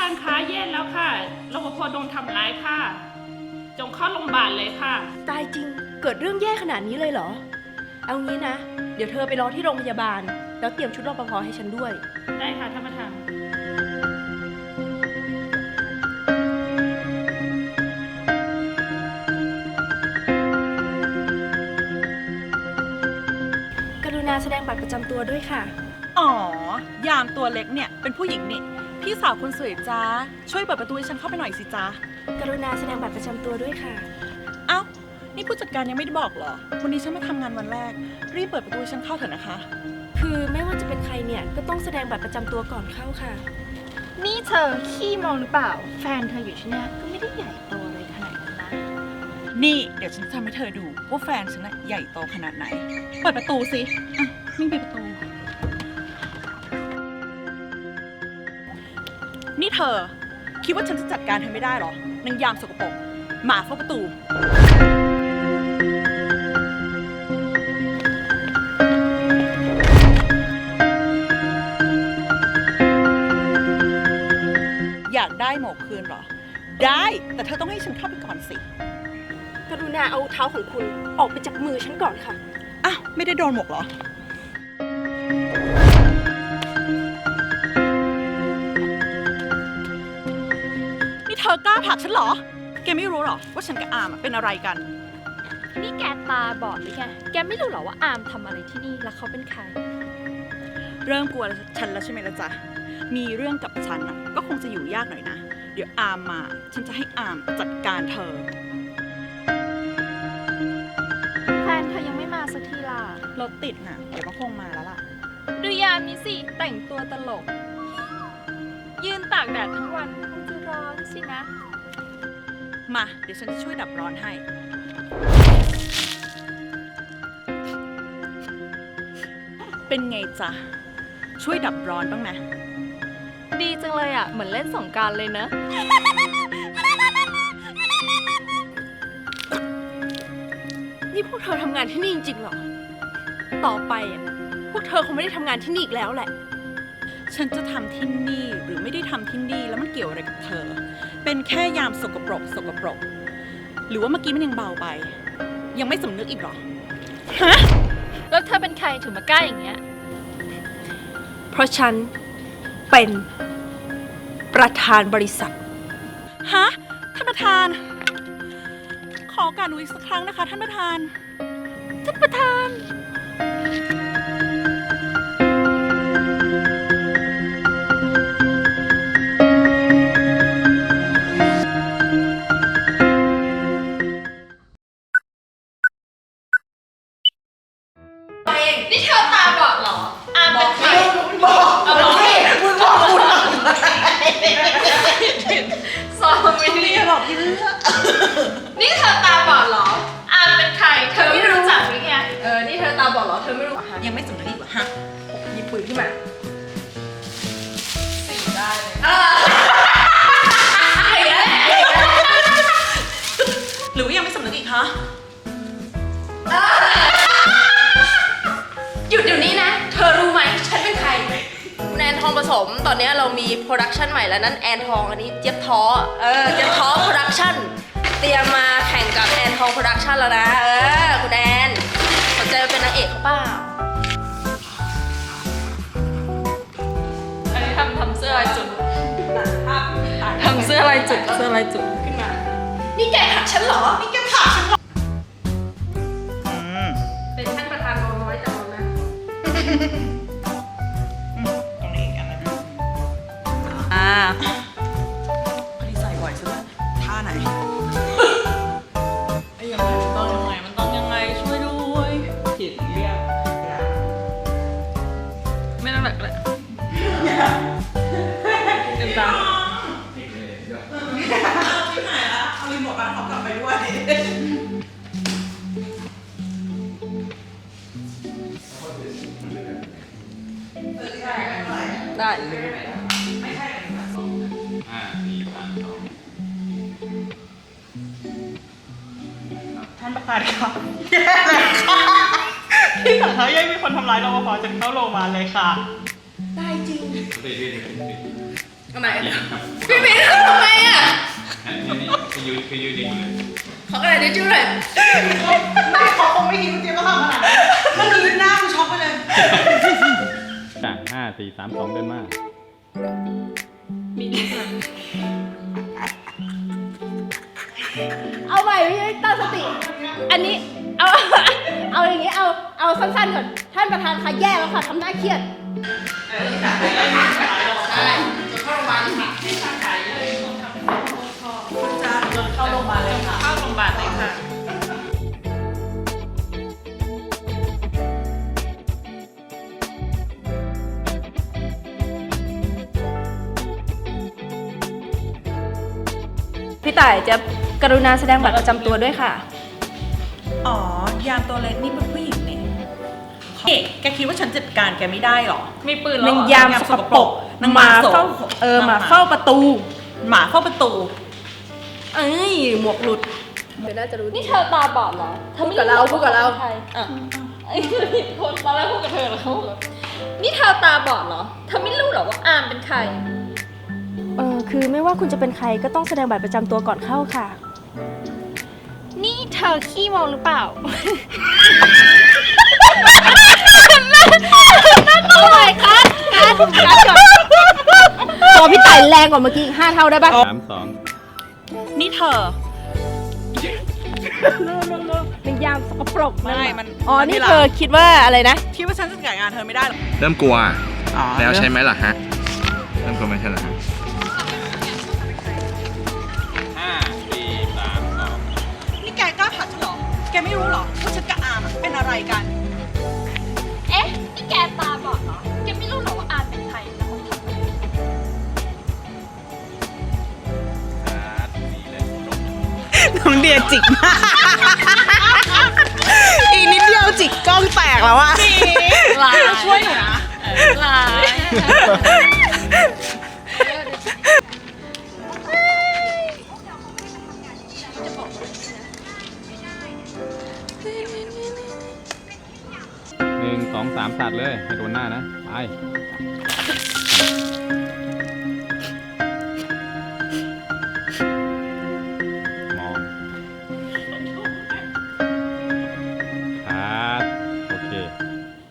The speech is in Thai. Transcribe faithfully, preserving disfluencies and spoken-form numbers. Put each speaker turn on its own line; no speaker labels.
านคะแย่แล้วค่ะรปภโดนทำร้ายค่ะ จงเข้าโรงพยาบาลเลยค่ะ
ตายจริงเกิดเรื่องแย่ขนาดนี้เลยเหรอเอางี้นะเดี๋ยวเธอไปรอที่โรงพยาบาลแล้วเตรียมชุดรปภให้ฉันด้วย
ได้ค่ะท่านประธาน
กรุณาแสดงบัตรประจำตัวด้วยค่ะ
อ๋อยามตัวเล็กเนี่ยเป็นผู้หญิงนี่พี่สาวคนสวยจ้าช่วยเปิดประตูให้ฉันเข้าไปหน่อยสิจ้าก
รุณาแสดงบัตรประจำตัวด้วยค่ะ
เอ้านี่ผู้จัดการยังไม่ได้บอกเหรอวันนี้ฉันมาทำงานวันแรกรีบเปิดประตูให้ฉันเข้าเถอะนะคะ
คือไม่ว่าจะเป็นใครเนี่ยก็ต้องแสดงบัตรประจำตัวก่อนเข้าค่ะ
นี่เธอขี้มองหรือเปล่าแฟนเธออยู่ที่นี่ก็ไม่ได้ใหญ่โตอะไรขนาดนั้นนะ
นี่เดี๋ยวฉันจะทำให้เธอดูว่าแฟนฉันน่ะใหญ่โตขนาดไหนเปิดประตูสิอ่ะนี่ปิดประตูนี่เธอคิดว่าฉันจะจัดการเธอไม่ได้หรอนางยามสกปรกหมาเฝ้าประตูอยากได้หมวกคืนเหรอได้แต่เธอต้องให้ฉันเข้าไปก่อนสิ
กรุณาเอาเท้าของคุณออกไปจากมือฉันก่อนค่ะ
อ้าวไม่ได้โดนหมวกเหรอเธอกล้าผลักฉันเหรอแกไม่รู้หรอว่าฉันกับอามเป็นอะไรกัน
นี่แกตาบอดหรือไงแกไม่รู้หรอว่าอามทำอะไรที่นี่แล้วเขาเป็นใคร
เริ่มกลัวฉันแล้วใช่ไหมล่ะจ๊ะมีเรื่องกับฉันก็คงจะอยู่ยากหน่อยนะเดี๋ยวอามมาฉันจะให้อามจัดการเธอ
แฟนเธอยังไม่มาสักทีล่ะ
รถติดน่ะเดี๋ยวก็คงมาแล้วล่ะ
ดูยามนี้สิแต่งตัวตลกยืนตากแดดทั้งวันคงจะร้อนสินะ
มาเดี๋ยวฉันจะช่วยดับร้อนให้เป็นไงจ๊ะช่วยดับร้อนบ้างไหม
ดีจังเลยอ่ะเหมือนเล่นสงกรานต์เลยเนอะ
นี่พวกเธอทำงานที่นี่จริงๆหรอต่อไปอ่ะพวกเธอคงไม่ได้ทำงานที่นี่อีกแล้วแหละ
ฉันจะทำที่นี่หรือไม่ได้ทำที่นี่แล้วมันเกี่ยวอะไรกับเธอเป็นแค่ยามสกปรกสกปรกหรือว่าเมื่อกี้มันยังเบาไปยังไม่สำนึกอีกหรอ
ฮะแล้วเธอเป็นใครถึงมากล้าอย่างเงี้ย
เพราะฉันเป็นประธานบริษัท
ฮะท่านประธานขอการดูอีกสักครั้งนะคะท่านประธาน
ท่านประธานนี่เธอตาบอดเหรออามเป็นใคร
บอกเอาบอกมึงบอกคุณ
สองมิลลิบอกพี่เลือกนี่เธอตาบอดเหรออามเป็นใครเธอไม่รู้จักหรือไงเออนี่เธอตาบอดเหรอเธอไม่รู้
ยังไม่สำนึกอีกเหรอฮะ
หยิบปืนขึ้นมา
สีได้เลย
หรือว่ายังไม่สำนึกอีกฮะ
หยุดเดี๋ยวนี้นะเธอรู้ไหมฉันเป็นใครแอนทองผสมตอนนี้เรามีโปรดักชันใหม่แล้วนั่นแอนทองอันนี้เจี๊ยบท้อเออเจี๊ยบท้อโปรดักชันเตรียมมาแข่งกับแอนทองโปรดักชันแล้วนะเออคุณแอนสนใจมาเป็นนางเอกเขาเปล่า
อันนี้ทำทำเสื้อลายจุดทำเสื้อลายจุดเสื้อลายจุดขึ้นมา
นี่แกผลักฉันเหรอนี่แกผลักฉันเหรอ
เป็นท่านประธานน้อยจังนะ
ตรงนี้อีกอันนึงอ่าพอดีใส่บ่อยสุดท่าไหนไอ้ยังไงมันต้องยังไงมันต้องยังไงช่วยด้วยผิดเรียก
ไม่ต้องแบบเลยเต็มตา
ที่ไหนละเอารีโมทบ้านเขากลับไปด้วย
ได้
ท่านประธานครับแย่เลยค่ะที่สาขายังมีคนทำร้ายรปภจนเข้าโรงพยาบาลเลยค่ะ
ได้จริงทำไมพี่มิ้นทำทำไมอ่ะ
นี่นี่คือยืนคือยืนดีเลย
ขอกระดาษทิชชู่หน่อย
ไม่เขาคงไม่คิดว่าเจ๊ก็ทำขนาดนั้นเมื่อกี้หน้ากูช็อกไปเลย
จ้ะห้าสี่สามสองเดินมา
เอาใหม่พี่ตั้งสติ อันนี้ เอา เอาอย่างงี้ เอา เอาสั้นๆก่อน ท่านประธานคะแย่แล้วค่ะทำหน้าเครียด
ใช่จะเข้าโรงพยาบาลค่ะ
เข้าโรงพยาบาลเลยค่ะ เข้าโรงพยาบาลเลยค่ะ
พี่ต่ายจะกรุณาแสดงบัตรประจำตัวด้วยค่ะ
อ๋อ ยามตัวเล็กนี่เป็นผู้หญิงนี่เฮ้แกคิดว่าฉันจัดการแกไม่ได้หรอ
มีปืนแล้ว
นาง
เหรอย
ามสกปรก
นาง
ห
ห
มา
มา
เฝ้า
โส
เออหมา
หมา
เฝ้าประตู
หมาเข้าประตู
เอ้ย หมวกหลุด เดี๋ยวน่าจะรู้
นี่เธอตาบอดเหรอธอ
พูด
ไม่
กับเราพูดกับเรา
ใคร
อ่ะ
ไอ้คนตอนแรกพูดกับเธอแล้วนี่เธอตาบอดเหรอ เธอไม่รู้เหรอว่าอามเป็นใคร
เออคือไม่ว่าคุณจะเป็นใครก็ต้องแสดงบัตรประจำตัวก่อนเข้าค่ะ
นี่เธอขี้เมาหรือเปล่า
เอาใหม่คัดคัดคัดก่อนตัวพี่ไต่แรงกว่าเมื่อกี้อีกห้าเท่าได้ปะ
สามสอง
นี่เธอ
เป็นยามสกปรก
ไม่ มัน
อ๋อ
มั
นี่
ไม่รัก
เธอคิดว่าอะไรนะ
คิดว่าฉันจะจัดการงานเธอไม่ได้หรอ
เริ่มกลัว
อ๋อ
แล้วใช่ไหมล่ะฮะ เริ่มกลัวไม่ใช่เหรอฮะ
ห้าสี่สามสอง
นี่แกกล้าผลักฉันเหรอ แกไม่รู้เหรอว่าฉันกับอามอะเป็นอะไรกัน
เอ๊ะ นี่แกตาบอดเหรอ แกไม่รู้เหรอว่าอามเป็นใครแล้วคนทำอะไร
ครับสี่เลยจบ
น้องเดียจิกมากอีกนิดเดียวจิกกล้องแตกแล้วอะ
ลาย
ช่วยหนูนะ
ลาย
หนึ่งสองสามสัตว์เลยให้โดนหน้านะ ไป